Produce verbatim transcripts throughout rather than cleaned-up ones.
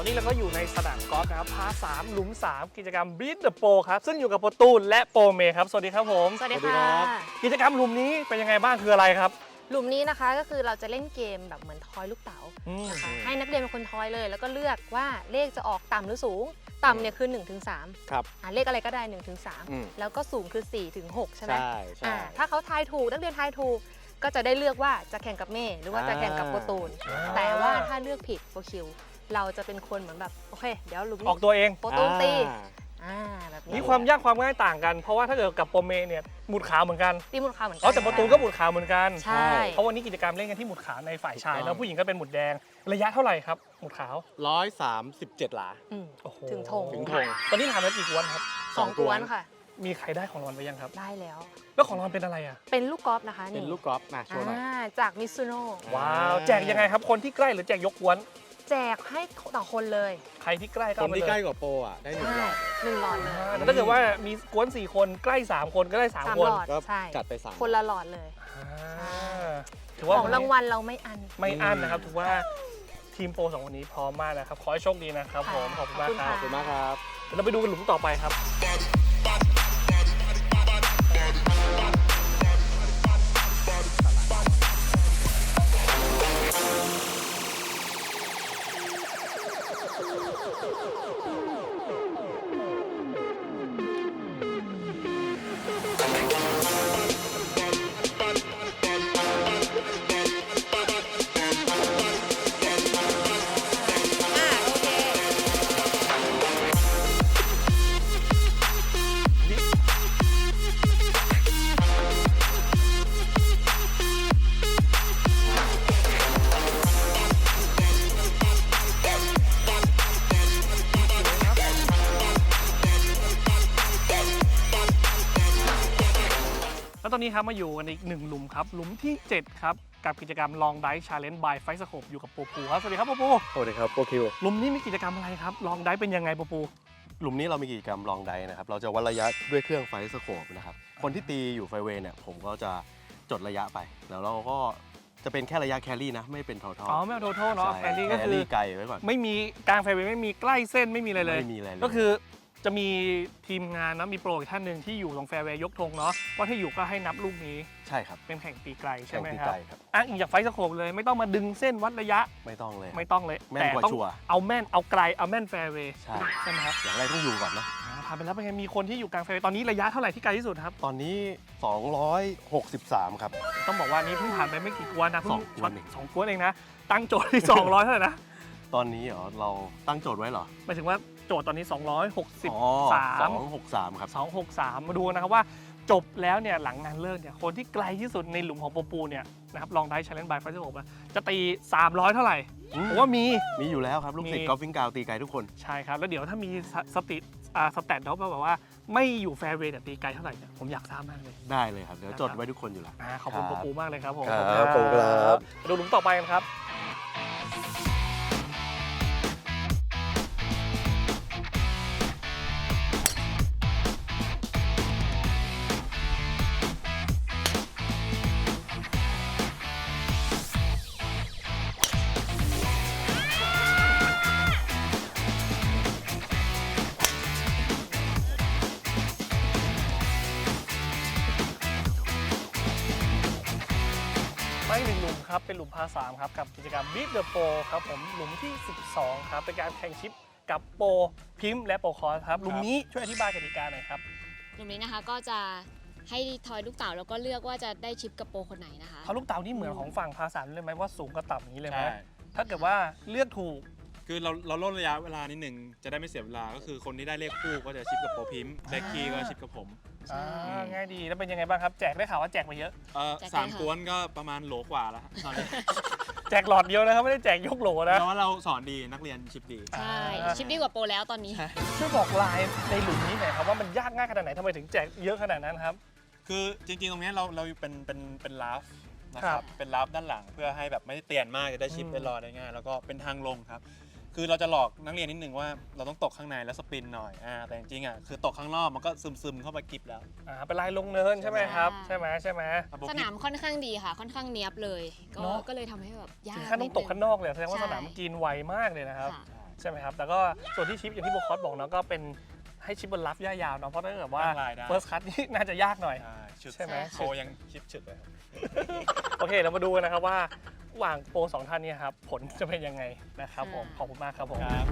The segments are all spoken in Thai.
นี้เราก็อยู่ในสนามกอล์ฟนะครับพาสามหลุมสามกิจกรรม Beat the Pro ครับซึ่งอยู่กับโปรตูนและโปรเมย์ครับสวัสดีครับผมสวัสดีค่ะกิจกรรมหลุมนี้เป็นยังไงบ้างคืออะไรครับหลุมนี้นะคะก็คือเราจะเล่นเกมแบบเหมือนทอยลูกเต๋านะคะให้นักเรียนเป็นคนทอยเลย แล้วก็เลือกว่าเลขจะออกต่ำหรือสูงต่ำเนี่ยคือหนึ่งถึงสามครับอ่าเลขอะไรก็ได้หนึ่งถึงสามอืมแล้วก็สูงคือสี่ถึงหกใช่ไหมใช่ใช่อ่าถ้าเขาทายถูกนักเรียนทายถูกก็จะได้เลือกว่าจะแข่งกับเม่หรือว่าจะแข่งกับโปรตูนอ่าแต่ว่าถ้าเลือกผิดโปรคิวเราจะเป็นคนเหมือนแบบโอเคเดี๋ยวหลุมออกตัวเองโปรตูนตีอ่าอ่าแบบนี้มีความยากความง่ายต่างกัน เพราะว่าถ้าเกิดกับโปรเมย์เนี่ยหมุดขาวเหมือนกันตีมูลค่าเหมือนกัอ๋อแต่โปรตูนก็หมุดขาวเหมือนกันใช่เพราะวันนี้กิจกรรมเล่นกันที่หมุดขาวในฝ่ายชายถูกต้องแล้วผู้หญิงก็เป็นหมุดแดงระยะเท่าไหร่ครับหมุดขาวร้อยสามสิบเจ็ดหลาอืมโอ้โหถึงธงถึงธงตอนนี้ทำแล้วกี่กวนครับสองกวนค่ะมีใครได้ของรางวัลไปยังครับได้แล้วแล้วของรางวัลเป็นอะไรอ่ะเป็นลูกกอล์ฟนะคะเป็นนี่ลูกกอล์ฟมาโชว์หน่อยอ่าจากมิซูโน่ว้าวแจกยังไงครับคนที่ใกล้หรือแจกยกกวนแจกให้ต่อคนเลยใครที่ใกล้ก็คเอานไปที่เลยใกล้กว่าโปรอ่ะได้หนึ่งหลอดหนึ่งหลอดเลยอ่าแต่ถ้าเกิดว่ามีกวนสี่คนใกล้สามคนก็ได้สามสามคนหลอดก็ใช่จัดไปสามคนละหลอดเลยอ่าถือขว่าองรางวัลเราไม่อันไม่อั้นนะครับถือว่าทีมโปรสองคนนี้พร้อมมากนะครับขอให้โชคดีนะครับผมขอบคุณมากคขรัอบบขอบคุณมากครับเดี๋ยวเราไปดูกันหลุมต่อไปครับอ่าโอเคแล้วตอนนี้ครับมาอยู่กันอีกหนึ่งหลุมครับหลุมที่เจ็ดครับกับกิจกรรม Long Dive Challenge by Fight Scope อยู่กับปูปูครับสวัสดีครับปูปูสวัสดีครับโปรคิวหลุมนี้มีกิจกรรมอะไรครับ Long Dive เป็นยังไงปูปูหลุมนี้เรามีกิจกรรมลองไดนะครับ เราจะวัดระยะด้วยเครื่องไฟสโคปนะครับ คนที่ตีอยู่ไฟเวย์เนี่ย ผมก็จะจดระยะไป แล้วเราก็จะเป็นแค่ระยะแครี่นะ ไม่เป็นทอทออ๋อไม่เอาโทโทเนาะใช่แฟรี่ก็แคคือรี่ไกลไว้ก่อนไม่มีกลางไฟเวย์ไม่มีใกล้เส้นไม่มีอะไรเลยไม่มีอะไรเลยก็คือจะมีทีมงานนะมีโปรอีกท่านหนึ่งที่อยู่ตรงแฟร์เวย์ยกธงเนาะว่าถ้าอยู่ก็ให้นับลูกนี้ใช่ครับเป็นแข่งตีไกลใช่แข่งไหมตีครัไกบลครับอ้างอิงจากไฟสโคปเลยไม่ต้องมาดึงเส้นวัดระยะไม่ต้องเลยไม่ต้องเลยแม่นแต่กว่าต้องชัวร์เอาแม่นเอาไกลเอาแม่นแฟร์เวย์ใช่ใช่ไหมครับอย่างแรกต้องอยู่ก่อนเนาะอ่าผ่านไปแล้วเป็นไงมีคนที่อยู่กลางแฟร์เวย์ตอนนี้ระยะเท่าไหร่ที่ไกลที่สุดครับตอนนี้ สองร้อยหกสิบสาม ครับต้องบอกว่านี้เพิ่งผ่านไปไม่กี่กวนนะเพิ่สองกวนเองสองกวนเองนะตั้งโจทย์ที่ สองร้อยเท่าไหร่นะตอนนี้เหรอเราตั้งโจทย์ไว้เหรอหมายถึงว่าโจทย์ตอนนี้ สองร้อยหกสิบอ๋อสามสองหกสามครับสองหกสามมาดูนะครับว่าจบแล้วเนี่ยหลังงานเลิกเนี่ยคนที่ไกลที่สุดในหลุมของปูปูเนี่ยนะครับลองได้ Challenge by Fight Scope จะตี สามร้อย เท่าไหร่อืมผมว่ามีมีอยู่แล้วครับ ลูกศิษมีย์กอล์ฟฟิงกาวตีไกลทุกคนใช่ครับ แล้วเดี๋ยวถ้ามีสสติอ่าสแตทเขาแบบว่าไม่อยู่แฟร์เวย์แต่ตีไกลเท่าไหร่เนี่ยผมอยากทราบมากเลยได้เลยครับ เดี๋ยวจดไว้ทุกคนอยู่แล้วอ่าขอบคุณครับปูปูมากเลยครับผมครับขอบคุณครับมาดูหลุมต่อไปกันครับ มาอีกหนึ่งหลุมครับ เป็นหลุมพาสามครับ กับกิจกรรม Beat the Pro ครับผมหลุมที่ สิบสอง ครับ เป็นการแข่งชิปกับโปรพิมพ์และโปรคอร์สครับหลุมนี้ช่วยอธิบายกติกาหน่อยครับกลุ่มนี้นะคะก็จะให้ทอยลูกเต๋าแล้วก็เลือกว่าจะได้ชิปกับโปรคนไหนนะคะเขาลูกเต๋านี่เหมือนของฝั่งพาสามเลยไหมว่าสูงกับต่ำอย่างนี้เลยไหมใช่ถ้าเกิดว่าเลือกถูกคือเราเราลดระยะเวลานิดหนึ่งจะได้ไม่เสียเวลา ก็คือคนที่ได้เลขคู่ก็จะชิปกับโปรพิมพ์ได้คีย์ก็ชิปกับผมใช่อ่าง่ายดีแล้วเป็นยังไงบ้างครับ แจกได้ข่าวว่าแจกมาเยอะเอ่อแจกได้สามค่ะกวนก็ประมาณโหลกว่าแล้วตอนนี้แจกหลอดเดียวนะครับ ไม่ได้แจกยกโหลนะเพราะว่าเราสอนดีนักเรียนชิปดีใช่อ่าชิปดีกว่าโปรแล้วตอนนี้ช่วยบอกลายในหลุมนี้หน่อยครับว่ามันยากง่ายขนาดไหนทำไมถึงแจกเยอะขนาดนั้นครับคือจริงๆ ตรงเนี้ยเราเราเป็นเป็นเป็นลาฟนะคครัรับ บเป็นลาฟด้านหลังเพื่อให้แบบไม่ได้เตียนมากจะได้ชิปอืมได้รอได้ง่ายแล้วก็เป็นทางลงครับ คือเราจะหลอกนักเรียนนิดนึงว่าเราต้องตกข้างในแล้วสปินหน่อยอ่าแต่จริงๆอ่ะคือตกข้างนอกมันก็ซึมๆเข้าไปกิบแล้วอ่าเป็นลายลงเนินใช่ไหมครับใช่ใช่ไหมใช่ไหมอ่ะโปรสพินามค่อนข้างดีค่ะ ค่อนข้างเนียบเลย ก็เนอะก็เลยทำให้แบบยากถึงขั้นต้องตกข้างนอกเลยแสดงว่าใช่สนามกินไวมากเลยนะครับค่ะใช่ไหมครับแล้วก็ส่วนที่ชิปอย่างที่โบคอสบอกเนาะก็เป็นให้ชิปบนรับย่ายาวเนาะเพราะถ้าเกิดว่าตั้งลายได้ first cut นี่น่าจะยากหน่อยใช่ชุดใช่ไหมโคยังชิปฉึดเลยครับโอเคเรามาดูกันนะครับว่าระหว่างโปรสองท่านเนี้ครับผลจะเป็นยังไงนะครับผมขอบคุณมากครับผมครับ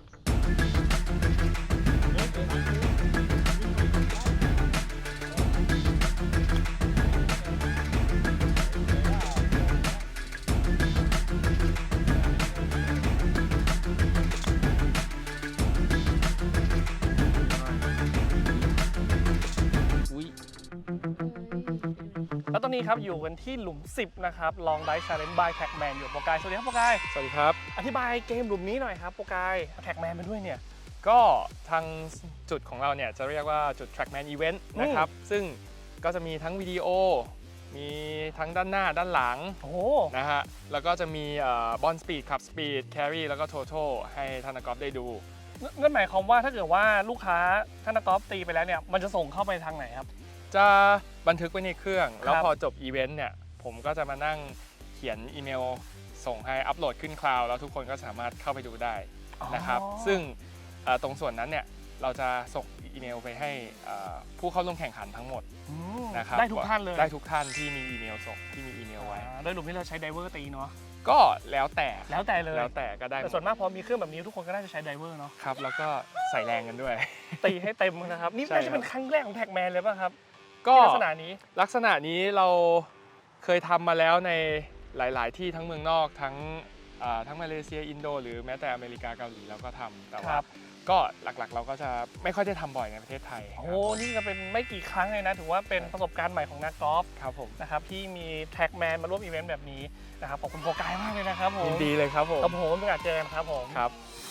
แล้วตอนนี้ครับอยู่กันที่หลุมสิบนะครับลองไดชาเลนจ์บายแท็กแมนอยู่โปรกายสวัสดีครับโปรกายสวัสดีครับอธิบายเกมหลุมนี้หน่อยครับโปรกายแท็กแมนมาด้วยเนี่ยก็ทางจุดของเราเนี่ยจะเรียกว่าจุด Trackman Event นะครับ ซึ่งก็จะมีทั้งวิดีโอ มีทั้งด้านหน้าด้านหลังโอ้โหนะฮะ แล้วก็จะมีบอลสปีดขับสปีดแครีแล้วก็โทโทให้ท่านนักกอล์ฟได้ดูนั่นหมายความว่าถ้าเกิดว่าลูกค้าท่านนักกอล์ฟตีไปแล้วเนี่ยมันจะส่งเข้าไปทางไหนครับจะบันทึกไว้ในเครื่อง แล้วครับพอจบอีเวนต์เนี่ย ผมก็จะมานั่งเขียนอีเมลส่งให้อัปโหลดขึ้นคลาวด์แล้วทุกคนก็สามารถเข้าไปดูได้นะครับอ๋อซึ่งเอ่อตรงส่วนนั้นเนี่ยเราจะส่งอีเมลไปให้เอ่อผู้เข้าร่วมแข่งขันทั้งหมดอืมนะครับได้ทุกท่านเลยได้ทุกท่านที่มีอีเมลส่งที่มีอีเมลไว้อ่าโดยหลุมที่เราใช้ไดเวอร์ตีเนาะก็แล้วแต่แล้วแต่เลยแล้วแต่ก็ได้หมแต่ดส่วนมากพอมีเครื่องแบบนี้ทุกคนก็น่าจะใช้ไดเวอร์เนาะครับ แล้วก็ใส่แรงกันด้วยตีให้เต็มนะครับนี่ใช่น่าจะครับเป็นครั้งแรกของแท็กแมนเลยป่ะครับก็ที่ลักษณะนี้ลักษณะนี้เราเคยทำมาแล้วในหลาย ๆ ที่ทั้งเมืองนอกทั้งอ่าทั้งมาเลเซียอินโดหรือแม้แต่อเมริกาเกาหลีเราก็ทำแต่คว่ารับก็หลัก ๆ เราก็จะไม่ค่อยได้ทำบ่อยในประเทศไทยโอ้โหนี่ก็เป็นไม่กี่ครั้งเลยนะถือว่าเป็นประสบการณ์ใหม่ของนักกอล์ฟครับผมนะครับที่มีแท็กแมนมาร่วมอีเวนต์แบบนี้นะครับขอบคุณโปรกายมากเลยนะครับผมยินดีเลยครับผมครับผมเป็นการเจอกันครับผมครับ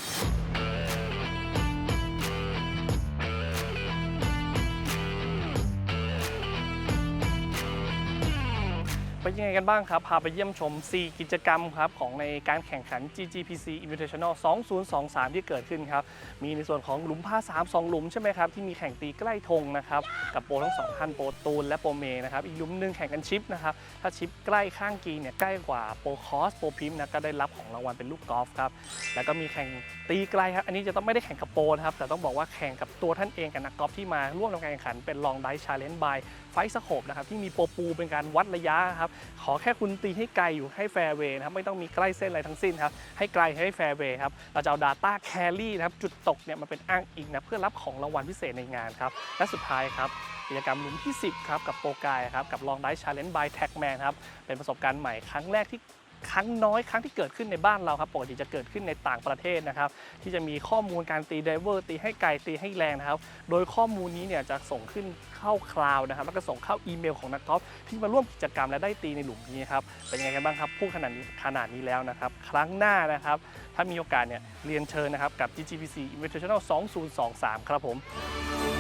เป็นยังไงกันบ้างครับ พาไปเยี่ยมชม สี่ กิจกรรมครับของในการแข่งขัน จี จี พี ซี Invitational สองพันยี่สิบสาม ที่เกิดขึ้นครับ มีในส่วนของหลุมพาสาม สองหลุมใช่ไหมครับ ที่มีแข่งตีใกล้ธงนะครับ กับโปรทั้งสองท่านโปรตูนและโปรเมนะครับ อีกหลุมหนึงแข่งกันชิปนะครับ ถ้าชิปใกล้ข้างกรีนเนี่ยใกล้กว่าโปรคอสโปรพิมนะก็ได้รับของรางวัลเป็นลูกกอล์ฟครับ แล้วก็มีแข่งตีไกลครับ อันนี้จะต้องไม่ได้แข่งกับโปรนะครับ แต่ต้องบอกว่าแข่งกับตัวท่านเองกับนักกอล์ฟที่มาร่วมในการแข่งขันเป็นลองไดชาเลนจ์บายไฟสโคปนะครับที่มีโปรปูเป็นการวัดระยะครับขอแค่คุณตีให้ไกลอยู่ให้แฟร์เวย์นะครับไม่ต้องมีใกล้เส้นอะไรทั้งสิ้นครับให้ไกลให้แฟร์เวย์ครับเราจะเอา Data Carry นะครับจุดตกเนี่ยมาเป็นอ้างอิงนะเพื่อรับของรางวัลพิเศษในงานครับและสุดท้ายครับกิจกรรมหลุมที่สิบครับกับโปรกายครับกับลองไดชาเลนจ์บายแท็กแมนครับเป็นประสบการณ์ใหม่ครั้งแรกที่ครั้งน้อยครั้งที่เกิดขึ้นในบ้านเราครับปกติจะเกิดขึ้นในต่างประเทศนะครับที่จะมีข้อมูลการตีไดเวอร์ตีให้ไกลตีให้แรงนะครับโดยข้อมูลนี้เนี่ยจะส่งขึ้นเข้าคลาวด์นะครับแล้วก็ส่งเข้าอีเมลของนักกอล์ฟที่มาร่วมกิจกรรมและได้ตีในหลุมนี้ครับเป็นยังไงกันบ้างครับพูดขนาดนี้ขนาดนี้แล้วนะครับครั้งหน้านะครับถ้ามีโอกาสเนี่ยเรียนเชิญนะครับกับ จี จี พี ซี Invitational สองพันยี่สิบสามครับผม